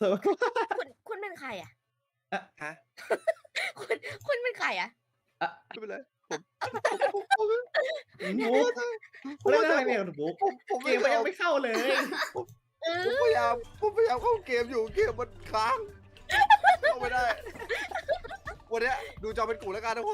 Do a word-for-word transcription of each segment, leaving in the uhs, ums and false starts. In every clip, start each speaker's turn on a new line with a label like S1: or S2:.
S1: คุณคุณเป็นใครอะ
S2: อะฮะ
S1: คุณคุณเป็นใครอะ
S2: อะ
S3: ไม่เป็นไรผม ผม
S2: บุ๊ก
S3: ผม
S2: เล่น
S3: ว่า
S2: อะไร
S3: จะ
S2: เนี่ยคุณบุ๊ก
S3: ผมผม
S2: เก
S3: ไม่
S2: มมัน
S3: ย
S2: ยั
S3: อง ม
S2: ไม่เข้าเลย
S3: ผม
S1: เอ
S3: ผม
S1: อ
S3: พยายามผมพยายามเข้าเกมอยู่เกมมันค้างเข้าไม่ได้ วันเนี้ยดูจอเป็นกูแล้วกันทุกคน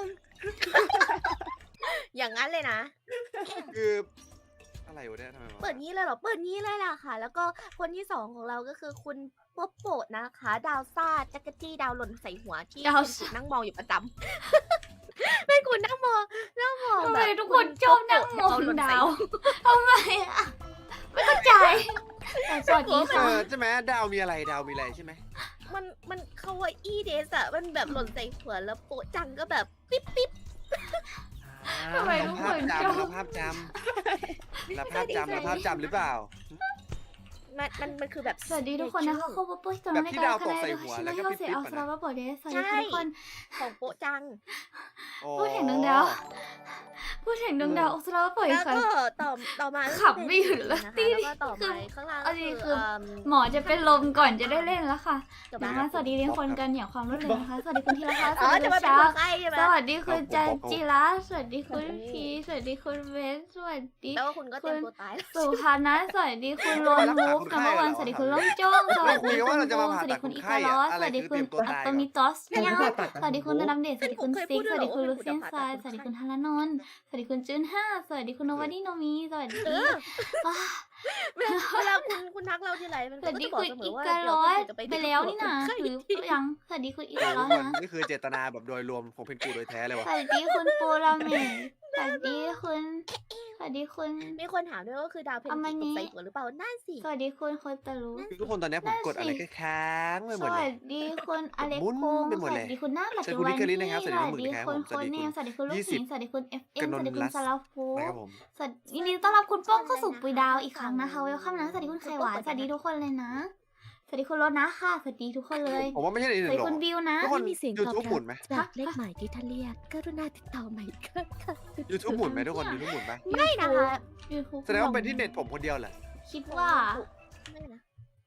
S1: อย่างงั้นเลยนะ
S3: คืออะไรวะเนี่ยทำไมวะ
S1: เปิดงี้เลยเหรอ เปิดงี้เลยล่ะค่ะ แล้วก็คนที่สองของเราก็คือคุณโป๊ปโปะนะคะ ดาวซ่าจักรจี้ดาวหล่นใส่หัวที่
S4: ดาว
S1: คุณ
S4: ซ่า
S1: กุดนั่งมองอยู่ประจำ ไม่คุณนั่งมองนั่งมอง
S4: ทำ
S1: แบ
S4: ไม
S1: บ
S4: ทุกคนชอบนั่งมอง
S1: คุณโป๊ปโปะ
S4: ดาวทำไมอะไม่เข้าใจแต่สวัสดี
S3: เอ
S4: ค่ะ
S3: อใช่ไหมดาวมีอะไรดาวมีอะไรใช่ไหม
S1: มันมันคาวาอี้เดสอะมันแบบหล่นใส่หัวแล้วโปะจังก็แบบปิ๊บปิ๊บ
S4: ทำไม
S3: เรา
S4: ทุก
S3: ภา
S4: ค
S3: พ
S4: น
S3: จำ
S4: ชอบ
S3: เราภาพจำเราภาพจำเราภาพจำหรือเปล่า
S1: มันมันมันคือแบบ
S4: สวัสดีทุกคนนะคะเข้ามาปุ๊บตอนนี้
S3: แบบที่ดาวตกใส่หัวแล้วก็
S4: ชิโนฮิโรเซ
S3: ปิ๊บๆ
S4: อัล
S3: อะ
S4: ฟ
S3: นะ
S4: ราบาโปเดสสวัสดีทุกคน
S1: ของโปะจัง
S3: อ๋อ
S4: พูดถึงดวงดาว พูดถึงดวงดาวอัลฟราบาโปเด
S1: แล้
S4: ส
S1: ว
S4: ค่ะ
S1: ก็ต่อต่อมาก็
S4: ขับไม่หยุดเลย
S1: นะคะ
S4: ตี
S1: แล้วก็ต่อมาข้างล่าง
S4: เอา
S1: ก็
S4: ดี
S1: คือ
S4: คือ
S1: เอิ่ม
S4: หมอจะเป็นลมก่อนจะได้เล่นแล้วค่ะ
S1: จบ
S4: เดี๋ยว
S1: แล้ว
S4: มาสวัสดีเรียนคนกันอย่างความรวดเร็วนะคะ สวัสดีคุณธีรพัฒน์ส
S1: อ๋อ
S4: วัสดี
S1: จะ
S4: คุ
S1: มา
S4: ณ
S1: เป็น
S4: ชา
S1: คนไข้ใช่ไหม
S4: สวัสดีคุณจันจิระสวัสดีคุณพีสวัสดีคุณเบนสวัสดี
S1: แล้วก็คุณก็เตรียมตัวตายแล้ว
S4: สุภานะสวัสดีคุณโรนวูฟนัมเบอร์วันสวัสดีคุณล่องจ้องสวัส
S3: คุ
S4: ดี
S3: ย
S4: คุ
S3: กัน
S4: ณ
S3: ว่าเราจะมา
S4: บูม
S3: ผ่า
S4: สวัส
S3: ตั
S4: ดี
S3: ด
S4: คุ
S3: ค
S4: ณ
S3: น
S4: อิ
S3: ไข้
S4: ตาลอ
S3: อะ
S4: ส
S3: อะไร
S4: สวัสดี
S3: คือ
S4: คุ
S3: เตรียมตัว
S4: ณอัต
S3: ตาย
S4: โตมิ
S3: อะ
S4: ตอสยังสวัสดีคุณธนำเดชสวัสดีคุณซิกสวัสดีคุณลูเซียนซายสวัสดีคุณธนนนท์สวัสดีคุณจุนห้าสวัสดีคุณโนวาดีโนมีสวัสดีว้า
S1: เวลาคุณคุณทักเราทีไรมัน
S4: สวัส
S1: ก็
S4: ดี
S1: จะบอก
S4: คุณ
S1: เสม
S4: อี
S1: อว่า
S4: กา
S1: เดี๋ยว
S4: ร้อย
S1: คุณจะไป
S4: ไปแล้วนี่นะ
S1: คนไข้
S4: หรือยังสวัสดีคุณอีการ้อย
S3: ทุกคน
S4: นะ
S3: นี่คือเจตนาแบบโดยรวมของเพนกูโดยแท้เลย
S4: ส
S3: ว่ะ
S4: วัสดีคุณปูราเมะสวัสดีคุณสวัสดีคุณ
S1: มีคนถามด้วยว่าคือดาวเพน
S4: อามา
S1: จิ
S4: นิ
S1: ตกใส่หัวหรือเปล่านั่นสิ
S4: สวัสดีคุณโคตารุ
S3: คือทุกคนตอนนี้ผมกดอะไรก็ค้างไปหม
S4: ส
S3: ดเล
S4: วั
S3: ย
S4: สดีคุณอเล็ก
S3: หมุน
S4: โคง
S3: ไปหม
S4: ส
S3: ด
S4: วั
S3: เลย
S4: สดีคุณหน้าปัจ
S3: เชิญ
S4: จุ
S3: คุณ
S4: บั
S3: นิ
S4: น
S3: กเกอรี่
S4: นี้
S3: นะครับ
S4: ส
S3: สวัสดี
S4: วั
S3: น้อง
S4: ส
S3: หมื่น
S4: ดี
S3: นะครับ
S4: คุณ
S3: ผม
S4: โคเนมสวัสดีคุณลูก
S3: ยี่
S4: ห
S3: สิ
S4: ญิ
S3: บ
S4: งสวัสดีคุณเอฟเอ็
S3: ก
S4: ม
S3: น
S4: ส
S3: น
S4: วัสดีคุ
S3: ลั
S4: ณ
S3: ส
S4: ซาลาฟู
S3: นะครับผม
S4: สวัสดียินดีต้อนรับคุณป้องเข้าสู่ปุยดาวอีกครั้งนะคะเวลคัมนะสวัสดีคุณไข่หวานสวัสดีทุกคนเลยนะ สวัสดีคุณรถนะค่ะสวัสดีทุกคนเลย
S3: ผมว่าไม่ใช่ในห
S4: ส
S3: นึ่
S4: วัส
S3: ง
S4: ดี
S3: หรอก
S4: คุณบิวนะ
S3: ทุกคน
S1: มีเสียง
S3: ยู
S1: ตอบ
S3: ทูบ
S1: รับ
S3: หมุนไหม
S1: จากเลขหมายที่ท่านเรียกกรุณาติดต่อใหม่ค่ะค่ะ
S3: ยูทูบหมุนไหมทุกคนยูทูบหมุนไหม
S1: ไม่นะคะ
S4: ยูทูบ
S3: แสดงว่าเป็นที่เน็ตผมคนเดียวแหละ
S4: คิดว่า
S1: ไม่นะ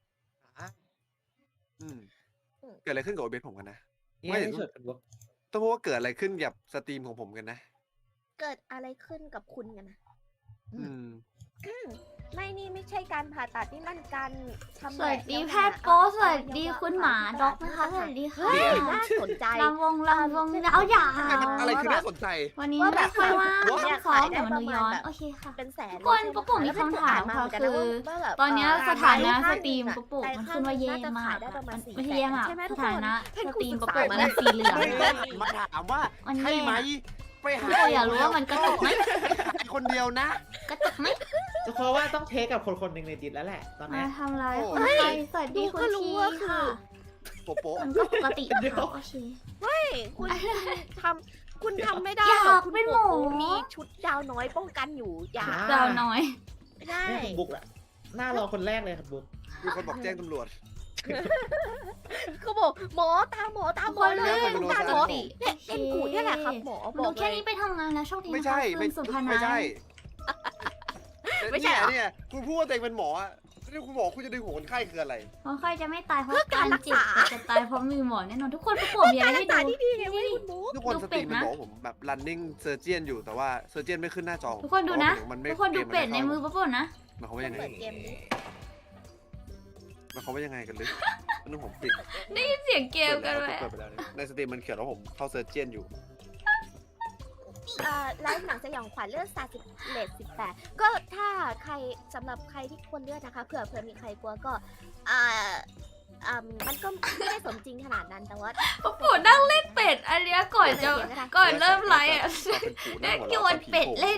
S3: อืมเกิดอะไรขึ้นกับโอเบสผมกันนะ
S2: นี่
S3: ไม่
S2: ไม่เฉยคุณบุ๊ก
S3: ต้องพูดว่าเกิดอะไรขึ้นกับสตรีมของผมกันนะ
S1: เกิดอะไรขึ้นกับคุณกันนะ
S3: อืม
S1: ไม่นี่ไม่ใช่การผ่าตัดนี่มันการทำ
S4: สวัสดี
S1: ล้ว
S4: แพ
S1: หา
S4: ทย์โป๊สวัสดีคุณหมาด็อกนะคะสวัสดีค่ะ
S1: เฮ้ยน่าสนใจ
S4: ลำวงลำวงเอาอย่า
S3: อะไรคือน่าสนใจ
S4: วันนี้
S1: ว่าแบบ
S4: ไม่ค่อยว่าง
S1: ว่า
S4: ต้องซ้อมเดี๋ยวมันดูย้อน
S1: แบบ
S4: โอเคค่ะ
S1: เป็นแสน
S4: ทุกคนปุ๊กปุ๊กมีคำถามค่ะคือตอนเนี้ยสถานะสตรีมปุ๊กปุ๊กมันขึ้นว่าเย่มากค่ะมันไม่ใช่เย่มากสถานะสตรีมปุ๊กปุ๊กมันสีเหลือง
S3: มาถามว่า
S4: มัน
S3: ใช่
S4: แย่
S3: ไหมไปหา
S4: ปุ๊กปุ๊กอยากรู้ว่ามันกระตุกไหม
S3: หายคนเดียวนะ
S4: กระตุกไหม
S2: เพราะว่าต้องเทคกับคนคนหนึ่งในดิสแล้วแหละตอน
S4: มา
S2: นี้
S4: ทำร้ายคนไทยสวัสดีคุณทีค่ะ
S3: โปโป๊ะ
S4: มันก็ปกตินะคะโอเค
S1: คุณทำคุณทำไม่ได้
S4: อยาก
S1: หรอกคุณ
S4: เป็นหมอ
S1: โป๊มีชุดดาวน้อยป้องกันอยู่อย่า
S4: ดาวน้อย
S1: ไม่ได้
S2: นี่คุณบุ๊กอะหน้ารอคนแรกเลยครับบุ๊ก
S3: มีคนบอกแจ้งตำรวจ
S1: เขาบอกหมอตามหมอตามหมอเลย
S3: คน
S1: ต้อง
S3: เดียว
S1: การหมอเนี่ยเอ็นกูเนี่ยแหละครับหมอบอก
S4: ดู
S1: เล
S4: แค่
S1: ย
S4: นี้ไปทำงานแล้วโชคดี
S3: ไม่
S4: นะคะ
S3: ใช่
S4: คุณสุภานั
S3: ไม่
S4: น
S3: ใช่
S4: ท์
S1: ไม่ใช่เหรอ
S3: เนี่ยเนี่ยคุณพูดว่าตัวเองเป็นหมออะนี่คุณบอกคุณจะดึงหัวคนไข้คืออะไร
S4: เพราะใครจะไม่ตายเพราะ
S1: เพื่อการรักษา
S4: เจ็บแต่จะตายเพราะมือหมอแน่นอนทุกคนประกวดมีอะไรให้
S1: ตา
S4: ดู
S1: ที่ดีไงเว้ยคุณบุ๊ก
S3: ทุกคน
S4: ดู
S3: ส
S4: เป็
S3: ตรี
S4: ด
S3: มมัน
S4: นะ
S3: บอกว่าผมแบบ running surgeon อยู่แต่ว่า surgeon ไม่ขึ้นหน้าจอ
S4: ทุกคนดูนะ
S3: เพราว่ามัไม่
S4: ทุกคนดูเป็ดในมือ
S3: เก
S4: ประกวดนะ
S3: หมายความว่ายังไง
S1: เปิดเกมนี้
S3: หมายความว่ายังไงกันลึกนั่นผมปิด
S4: เสียงเกมกันไหม
S3: เปิดไปแล้วเนี่ยในสตรีมมันเขียนว่าผมเข้า surgeon อยู่
S1: เอ่อไลฟ์หนังสยองขวัญเลือดสาสิบเลทสิบแปดก็ถ้าใครสำหรับใครที่ควรเลือดนะคะเผื่อเผื่อมีใครกลัวก็อ่าอ่ามันก็ไม่ได้สมจริงขนาดนั้นแต่ว่า
S4: ประกวดนั่งเล่นเป็ดอันเนี้ยก่อนจะก่อนเริ่มไลฟ์อ่ะ
S3: เป็นปู่ห
S4: ได้
S3: น้าหัว
S4: โย
S3: เราะ
S4: นเป็ดเล่น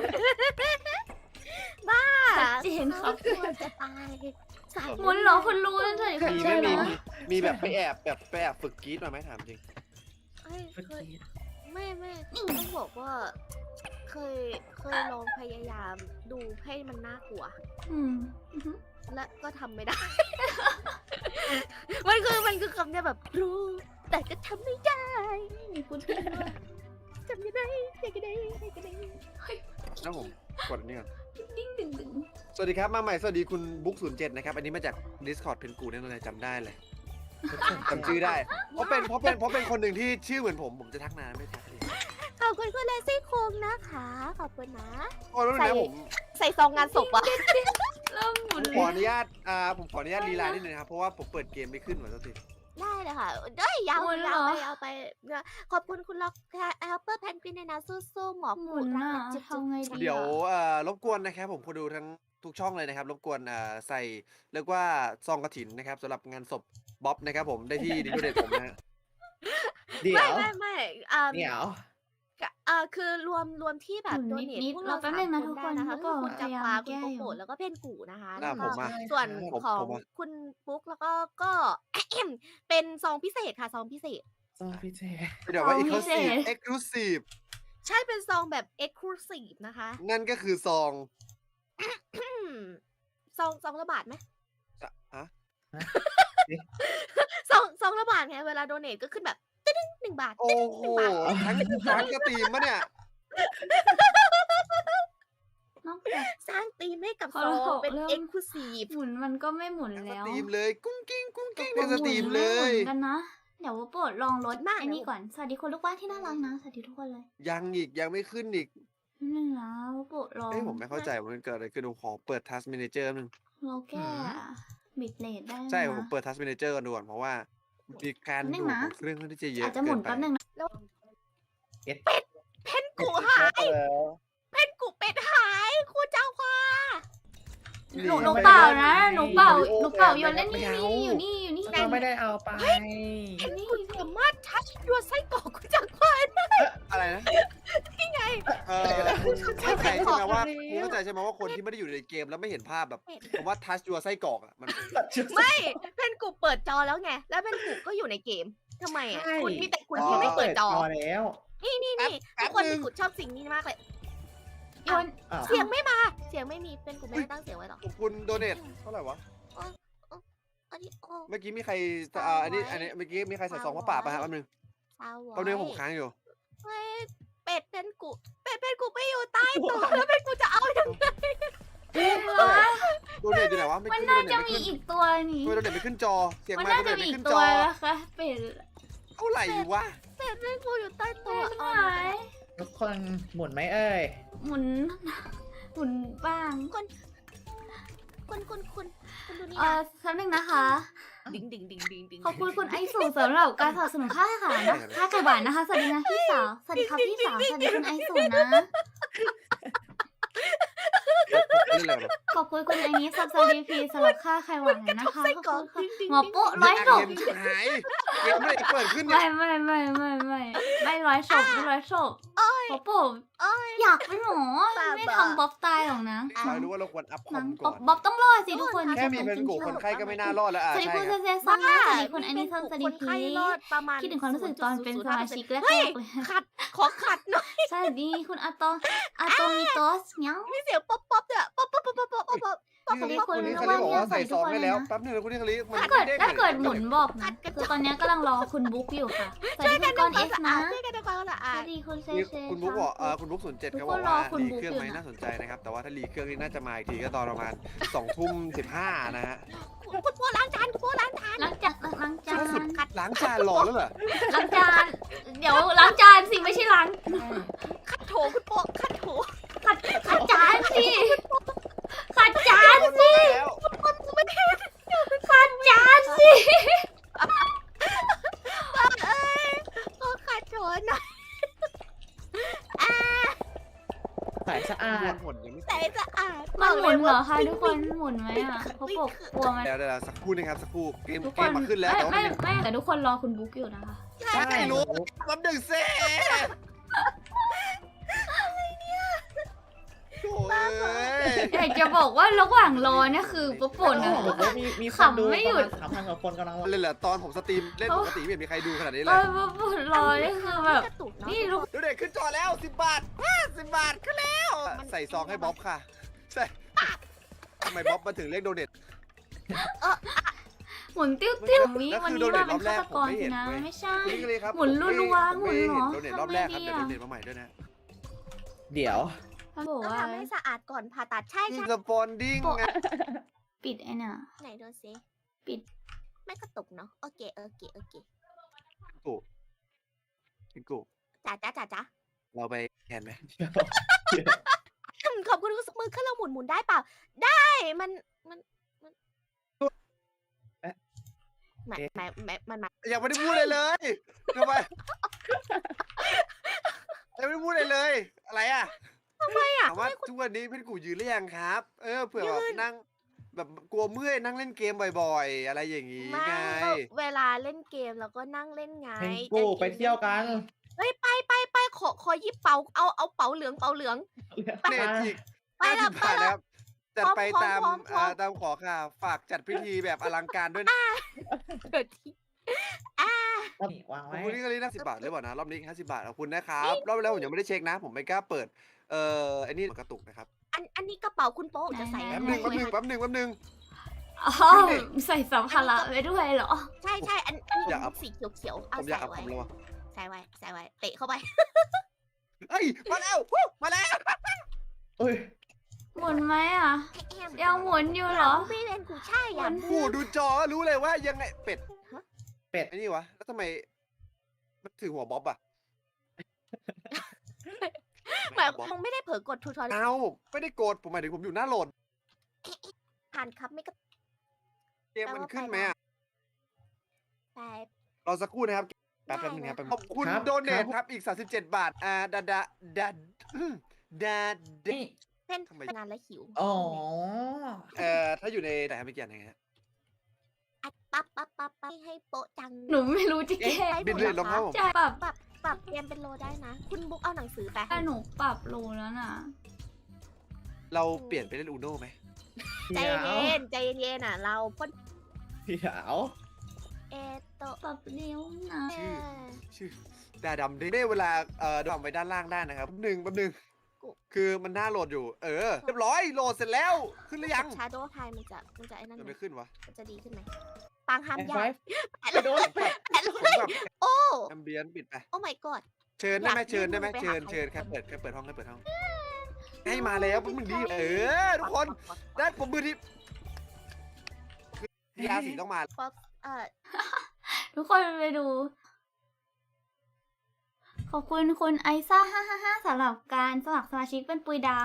S1: บ้า
S4: ชัดเจนครับ
S1: กลัวจะตายสาย
S4: หมุนเหรอคุณรู้นั่นเลย
S3: มีไหม่มีมีมีแบบไปแอบแบบไปแอบฝึกกรีดมาไหมถามจริง
S1: เอ้ยเคยไม่ไม่ต้องบอกว่า เคยเคยลองพยายามดูให้มันน่ากลัว
S4: อืม
S1: และก็ทำไม่ได้ มันคือมันคือคำเนี่ยแบบรู้ แต่ก็ทำไม่ได้
S4: มีคุณพี่ด้วย
S1: ทำยังไงยังไงยังไง
S3: แล้วผมกดอันนี้ก่อน
S4: ดิ้งดึงดึง
S3: สวัสดีครับมาใหม่สวัสดีคุณบุ๊กศูนย์เจ็ดนะครับ อันนี้มาจาก Discord เพนกูแน่นอนเลยจำได้เลยจำชื่อได้ เพราะเป็นเพราะเป็นเพราะเป็นคนหนึ่งที่ชื่อเหมือนผมผมจะทักนานไม่ทักเลย
S1: ขอบคุณคุณเลซี่คุงนะคะขอบคุณนะ
S3: โอ้แล้วนะผม
S1: ใส่ซองงานศพอะ
S4: เริ่มหมุน
S3: ขออนุญาตอ่าผมขออนุญาตลีลานิดนึงนะครับเพราะว่าผมเปิดเกมไม่ขึ้นเหมือนกันที
S1: ได้เลยค่ะเด้ยยาวยาวไปยาวไปขอบคุณคุณล็อกแอลเปอร์แพนกวินในนะสู้ๆหมอ
S4: หมุ
S1: ปู
S4: น
S1: รั
S4: อ่ะ
S1: กจุ๊บ
S4: ทำไงดี
S3: เดี๋ยวเอ่อรบกวนนะครับผมคนดูทั้งทุกช่องเลยนะครับรบกวนอ่าใส่เรียกว่าซองกระถินนะครับสำหรับงานศพบ๊อบนะครับผมได้ที่ดิจิทัลเดตผมนะฮะ
S2: เดี๋ย
S1: ไม่
S2: ว
S1: ไม่ไม่อ่า
S2: เดี๋ยว
S1: เอ่อคือรวมรวมที่แบบ
S4: หมุน
S1: โดเนท
S4: นิดๆ
S1: พวก
S4: เรา
S1: เรา
S4: แป๊บ
S1: สา
S4: นึ
S1: ม
S4: งนะ
S1: ค
S4: ทุ
S1: น
S4: ก
S1: ได้
S4: คน
S1: นะคะ
S4: ก็
S1: คือคุณ
S4: พ
S1: จั
S4: ยายาม
S1: ปาคุณ
S4: แก้
S1: โป
S4: อยู่
S1: โปะแล้วก็เพนกูนะคะ
S3: อ่า
S1: แล้ว
S3: ผ
S1: ก็
S3: มมา
S1: ส่วน
S3: ผม
S1: ของ
S3: ผมมา
S1: คุณปุ๊กแล้วก็ก็ เป็นซองพิเศษค่ะซองพิเศษ
S2: ซอพี่เจ
S3: เดี๋ยวว่า
S4: ของ
S3: อีก
S4: พิ
S3: ค
S4: เศษ
S3: เอ็กซ์คลูซีฟ
S1: ใช่เป็นซองแบบ exclusive นะคะ
S3: นั่นก็คือซอง
S1: อืมซองซองละบาทไหม
S3: จะฮะ
S1: ซองซองละบาทไงเวลาโดเนทก็ขึ้นแบบตึ้งหนึ่งบาท
S3: โอ้โหทั้งทั้งกระตีมปะเนี่ย
S4: นอกจาก
S1: สร้างธีมให้กับ
S4: พอ
S1: ซอ
S4: เรา
S1: งเป็น
S4: เริ่ม
S1: exclusive
S4: หมุนมันก็ไม่หมุน
S3: ทั้งส
S4: แล้ว
S3: ตรีมเลยกุ้งกิ้งกุ้งกิ้ง
S4: ต
S3: ใน
S4: ก
S3: ส
S4: ลง
S3: ตรีม
S4: หน
S3: เล
S4: ไม่ห
S3: ย
S4: มุนกันนะ เดี๋ยวว่าโปรดลองลด
S1: มาก
S4: ไอ้นี่
S1: นะ
S4: ก่อน สวัสดีคนลูกบ้านที่น่ารักนะ สวัสดีทุกคนเลย
S3: ยังอีกยังไม่ขึ้นอีก
S4: นี่นะว่าโปรดลอง
S3: เอ้ยผมไม่เข้าใจว่ามันเกิดอะไรขึ้นผมขอเปิด Task Manager นึง
S4: เราแก้บิตเรทได้ไหม
S3: ใช่
S4: นะ
S3: ผมเปิด Task Manager กันดูก่อนเพราะว่ามีการ
S4: นิดนึ
S3: ดู
S4: ง
S3: ด
S4: นะ
S3: ของเครื่องค่อนข้างที่จะเยอะ
S4: อาจจะหมุน
S3: เกิ
S4: แป๊บ
S3: ไป
S4: นึงนะ
S1: เพนกูหาย เพนกูเป็ดหายครูเจ้าค่ะ
S4: หนู
S3: นี่
S4: หนู
S2: ไม่ได้
S4: เปล่านะ
S2: ไม่ได้
S4: หนูเปล่า
S2: ไม่ได้
S4: หนูเปล่า
S2: ไม่
S4: โย
S2: ได้
S4: นเล่นนี่
S2: ไม่เอา
S4: นี่อยู่นี่อยู่นี่
S2: เราไม่ได้เอาไป
S1: เพนกูสามารถทัชยัวไส้กรอกครูเจ้าค่ะ
S3: อะไรนะ
S1: นี่ไง
S3: เออคุณเข้าใจใช่ไหมว่า
S2: ไม่ได้
S3: คุณเข้าใจใช่ไหมว่าคนที่ไม่ได้อยู่ในเกมแล้วไม่เห็นภาพแบบผมว่า touch your ไส้กรอกอ่ะมัน
S1: ไม่เพนกูเปิดจอแล้วไง แล้วเพนกูก็อยู่ในเกมทำไมอ่ะ
S2: ใช่
S1: คุณมีแต่คุณที่ไม่เปิดจอ
S2: แล้ว
S1: นี่นี่นี่
S3: แป๊
S1: ทุ
S3: บ
S1: กคน
S3: แป๊บนึ
S1: ที่
S3: ง
S1: กูชอบสิ่งนี้มากเลย
S4: โยน
S2: อ้าว
S1: เสียงไม่มา เสียงไม่มีเป็นกูไม่ได้ตั้งเสียงไว้หรอก
S3: ขอบคุณโดเนทเท่าไหร่วะ
S1: อันนี้โอ้
S3: เมื่อกี้มีใครอ่าอันนี้อันนี้เมื่อกี้มีใครใส่ซองผ้าป่าป่ะฮะแป๊บนึง
S1: สาว
S3: แป๊บนึงผมค้างอยู่
S1: เฮ้ยเป็ดเป็นกูเป็ดเป็นกูไม่อยู่ใต้ตัวแล้วเป็นกูจะเอายังไง
S3: โดเนทอยู่ไหนวะไม่
S4: มัน
S3: ขึ้นโด
S4: น่า
S3: เนท
S4: จะ
S3: ไม่
S4: มี
S3: ขึ้น
S4: อีกตัวนี่
S3: ทำไมโดเนทไม่ขึ้นจอเสียง
S4: มัน
S3: ไมค์
S4: น่า
S3: โด
S4: จะ
S3: เนท
S4: มี
S3: ไม่
S4: อี
S3: ขึ้
S4: ก
S3: น
S4: ตั
S3: จ
S4: ว
S3: อ
S4: นะคะเป็น
S3: เท่าไหร่วะ
S1: เป็ดเป็นกูอยู่ใต้ตัว
S4: เป็น
S1: เอา
S4: หาย
S2: ทุกคนหมุนไหมเอ่ย
S4: หมุน หมุนบ้าง
S1: คุณคุณคุณคุณดูนี่
S4: เอ
S1: นะ
S4: อสักหนึ่งนะคะ
S1: ดิ่งดิ่งดิ่งดิ่งดิ่ง
S4: ขอบคุณคุณไอสูสำหรับการสนับสนุนค่าอาหารนะค่าไก่หวานนะคะ สวัสดีนะพี่สาว สวัสดีครับพี่สาว สวัสดีคุณไอสูนะ
S3: เล่นอะไรวะ
S4: ขอบคุณคุณไอนี้ซับซาดีพีสำหรับค่าไข่หวานนะคะ
S1: ไส้
S4: ขอบ
S1: กรอ
S4: คุ
S1: ก
S4: ณค่ะ
S1: ดิ่งดิ่ง
S4: หมอปุ๊ร้อยศพ
S3: เกมชิบหายเกมไม่ได้เปิดขึ้นเนี่
S4: ไม่
S3: ย
S4: ไม่ไม่ไม่ไม่ไม่ร้อยศพไม่ร้อยศพหมอปุ๊
S1: โอ้ย
S4: อยากเป็นหมอไม่ทำบ๊อบตายหรอกนะ
S3: เรารู้ว่าเราควรอัพคอ
S4: นั้
S3: ม
S4: น
S3: ก่
S4: บ๊อ
S3: อบ น
S4: บ๊อบต้องรอดสิทุกคน
S3: แค่มีเป็นกูคนไข้ก็ไม่น่ารอดแล้วอ่ะ
S4: สวัสดี
S3: ใช่
S4: คุณ
S3: ค
S4: เซ
S3: รับ
S4: เซซังนะสวัสดีคุณไอนี้ซังสวัสดี
S1: คน
S4: พี
S1: ไข้รอดประมาณ
S4: คิดถึงความรู้สึกตอนเป็นสมาชิกแรก
S1: เฮ้ย
S4: ๆเลย
S1: ขัดขอขัดหน่อย
S4: สวัสดีคุณอาโตอาโตมิโตสเนี้ย
S1: มีเสียงป๊อปป๊อปเนี่ยป๊อปป๊อปป๊อปป๊อปป๊อปป๊อป
S4: สวัสดีคุณ
S3: นี่
S4: ลู
S3: เขา
S4: ก
S3: เรีย
S4: ว่าก
S3: ว่า
S4: เนี่ย
S3: ใส่ซอง
S4: สวัส
S3: ให้
S4: ดี
S3: แล้ว
S4: ทุกคนเลยนะ
S3: แป๊บนึงนะคุณนี่เขาเรียกมัน
S4: ถ้าเกิด
S3: ด้ง
S4: ถ้าเกิดหมุน
S3: ลย
S4: บอกนะคือตอนนี้กำลังรอคุณบุ๊กอยู่ค่ะสวัสดีคุณก้อนเอสนะ
S1: ช่วยกันทำความสะ
S4: ส
S1: อา
S4: วั
S1: ด
S4: สดีคุณเซ
S3: นี่
S4: เซ
S3: คุณบุ๊กบอกเออคุณบุ๊กศูนย์เจ็ด
S4: ทุก
S3: เขา
S4: ค
S3: บอก
S4: นรอ
S3: ว่า
S4: คุณ
S3: รี
S4: บุ๊ก
S3: เครื่อง
S4: อยู่
S3: ไหม
S4: นะ
S3: น่าสนใจนะครับ แต่ว่าถ้ารีเครื่องนี่น่าจะมาอีกทีก็ตอนประมาณสองทุ่มสิบห้านะฮะ
S1: คุณพ่อล้างจานคุณพ่อล้างจาน
S4: ล้างจานล้างจาน
S3: สุดล้างจานหล่อแล้วเหรอ
S4: ล้างจาน เดี๋ยวล้างจานสิไม่ใช่ล้าง
S1: ขัดโถคุณพ่อขัดโถ
S4: ขัดขัดจานสิขัดจานสิ
S3: แล้ว
S4: ขัดจานสิ
S1: เอ้ยขอขัดโถหน่อยอ่า
S2: สายสะอาด
S3: หมดยังไม่
S1: แต่สะอาด
S4: มันหมุนเหรอคะทุกคนหมุนไหมอ่ะเขาบอกกลัวมัน
S3: เดี๋ยวเดี๋ยวสักครู่นะครับสักครู่เกม
S4: ทุก
S3: เก
S4: ค
S3: ม
S4: น
S3: มาขึ้นแล้ว
S4: ไม่
S3: แต่ว่า
S4: ไม่
S3: มันยัง
S4: ไม่แต่ทุกคนรอคุณบุ๊กอยู่นะคะ
S3: ใช่รู้แป๊บหนึ่งเซ่โอ้ย
S4: อยากจะบอกว่าระหว่างรอเนี่ยคือป๊บปน
S2: โอ้
S4: อะ
S2: โหมีมีคนดู
S4: ขำไม่หยุด
S2: สามพันกว่าคนกำลังรอ
S3: เล่นเหรอตอนผมสตรีมเล่นปกติไม่เห็นมีใครดูขนาดนี้
S4: เอ
S3: เลย
S4: อป๊บปนรอนี่คือแบบ
S1: กระตุกเนาะ
S4: นี่ลูก
S3: ดูเด็กขึ้นจอแล้วสิบบาทสิบบาทขึ้นแล้ว ใส่ซองให้บ๊อบค่ะใส่ทำไมบ๊อบมาถึงเรียกโดเนท
S4: หมุนติ้วติ้ววิ
S3: แล้ว
S4: วัน
S3: คือ
S4: นี้
S3: โดเน
S4: ว่า
S3: ท
S4: เป็น
S3: รอบแร
S4: ฆาก ต
S3: ผม
S4: กร
S3: ไม่
S4: สิ
S3: เห็น
S4: นะ
S3: เว้ย
S4: ไม่ใช่
S3: คุณนี่เลยครับ
S4: หมุนรัวๆ
S3: ผมไม่
S4: หมุนเหรอ
S3: เห็นโดเนทรอบแรกครับ
S4: ทำไง
S3: เดี๋ยว
S4: ดี อะ
S3: โดเนทมาใหม่ด้วยนะ
S2: เดี๋ยว
S4: เขาบอก
S1: ต้อง
S4: ว่า
S1: ทำให้สะอาดก่อนผ่าตัดใช่
S3: นี่
S1: ใช่
S3: สปอนดิ้ง
S4: ปิดไอ้น่ะ
S1: ไหนดูสิ
S4: ปิด
S1: ไม่กระตุกเนาะโอเคโอเคโอเค
S3: กูพิกู
S1: จ๋าจ๋าจ๋าจ๋า
S3: เราไปแทนไหม
S1: อืมขอบคุณคุณมือขึ้นเราหมุนหมุนได้เปล่า ได้มันมันมัน
S2: เอ๊ะ
S1: หมายหมายหมายมันหมาย
S3: ยังไม่ได้พูดเลยเลยทำไมยังไม่ได้พูดเลยเลย อะไรอ่ะ
S1: ไม่อะ
S3: ถามว่าทุกวันนี้พี่กูยืนหรือยังครับ เออเผื่อแบบนั่งแบบกลัวเมื่อยนั่งเล่นเกมบ่อยๆ อะไรอย่างงี้
S1: ไม่
S3: ไง
S1: ก็เวลาเล่นเกมเราก็นั่งเล่นไง
S2: เพนกูไปเที่ยวกัน
S1: เฮ้ยไปไปไปขอขอหยิบเป๋าเอาเอาเป๋าเหลืองเป๋าเหลือง
S3: เน็ตอีก
S1: ไป
S3: ห้า
S1: แล้
S3: สิ
S1: ว
S3: บบาทนะครับจัดไป
S1: พร้อม
S3: ตาม
S1: พร้อมพร้อม
S3: อ่าตามขอค่ะ ฝากจัดพิธีแบบอลังการด้วยนะ
S1: เกิดที่อ่า
S2: นี่วาง
S3: ขอบ
S2: ไว้
S3: คุณที่กรีนะสิบบาทหรือเปล่านะ รอบนี้ห้าสิบบาทขอบคุณนะครับรอบแล้วผมยังไม่ได้เช็คนะ ผมไม่กล้าเปิด เอ่อไอ้นี่กระตุกนะครับ
S1: อันอันนี้กระเป๋าคุณโป๊ะจะใส่
S3: แป๊บหนึ่งแป๊บหนึ่งแป๊บหนึ่งแป๊บหนึ่ง
S4: อ๋อใส่สัมภาระไปด้วยเหรอ
S1: ใช่ใช่อันอันนี้
S3: อยากเอา
S1: สีเขียวเขียวๆเอา
S3: ผมอยาก
S1: ใส่
S3: เอา
S1: ไว้
S3: ผมเลยว่ะ
S1: ใส่ไว้ใส่ไว้เตะเข้าไป
S3: เฮ้ยมาแล้ววู้มาแล้ว
S2: เอ้ย
S4: หมุนไหมอ่ะ ยังหมุนอยู่เหรอ
S1: พี่เป็นกูใช่อ่ะ
S4: มัน
S3: กูดูจอก็รู้เลยว่ายังไงเป็ด
S2: เป็ด
S3: ไอ้นี่วะแล้วทำไมมันถือหัวบ๊อบอะ
S1: หมายคงไม่ได้เผลอกดทูทอเรียล
S3: เอาไม่ได้โกรธผมหมายถึงผมอยู่หน้าโหลด
S1: ผ่านครับไม่กระ
S3: เกมมันขึ้นไหมอะ
S1: แปด
S3: รอสักครู่นะครับแป๊บแป๊บนึงครับแป๊บนึงขอบคุณ
S2: ครับ
S3: โดเนท
S2: ครับ
S3: ครับอีกสามสิบเจ็ดบาทอ่าดาดาดาอืมดาดา
S2: นี่
S1: เป็น
S3: ทำไม
S1: งานและหิว
S2: อ๋อ
S3: เอ่อถ้าอยู่ในไหนครับเมื่อกี้ยังไงฮะ
S1: อัดปั๊บปั๊บปั๊บปั๊บให้โป๊ะจัง
S4: หนูไม่รู้จะแก้
S1: ได้
S3: บินเลยลงครับผม
S4: ใช่ปรับ
S1: ปรับปรับเตรียมเป็นโลได้นะ คุณบุ๊กเอาหนังสือไป
S4: แต่หนูปรับโลแล้วน่ะ
S3: เราเปลี่ยนไปเล่นอูโน่ไหม
S1: ใจ
S2: เดี๋ยว
S1: เย็นใจเย็นอ่ะ เราพ่น
S2: เดี๋ยว
S1: เอโตะ
S4: ปรับเร็วนะ
S3: ชื่อ ชื่อดาดำได้เวลาเอ่อดำไปด้านล่างได้นะครับแป๊บหนึ่งแป๊บหนึ่งคือมันหน้าโหลดอยู่ เออเรียบร้อยโหลดเสร็จแล้วขึ้นหรือยัง
S1: ชาโดว์ไทยมันจะมันจะไอ้นั่น
S3: ยัง
S1: ไหม
S3: ไม่ขึ้นวะ
S1: มันจะดีขึ้นไหมปางห้าม
S2: แอน
S1: ยา
S2: ไฟ
S1: ก
S2: ไปโดนแปด
S1: แอะ
S3: ผมแบบ
S1: โอ้
S3: แอมเบียนปิดไป
S1: โอ้ my god
S3: เชิญได้ไหม
S1: อยาก
S3: เชิญได้ไหม
S1: ยื่นมือไป
S3: เชิญ
S1: หาใคร
S3: เชิญ
S1: สัก
S3: แค่
S1: คน
S3: เปิดแค่เปิดห้องแค่เปิดห้องให้มาแล้วมึงดีเออทุกคนด้านผมมือที่ยาสีต้องมา
S1: ป๊อปเอ่อ
S4: ทุกคนไปดู ขอบคุณคุณไอซ่าห้าห้าห้าสำหรับการสมัครสมาชิกเป็นปุยดาว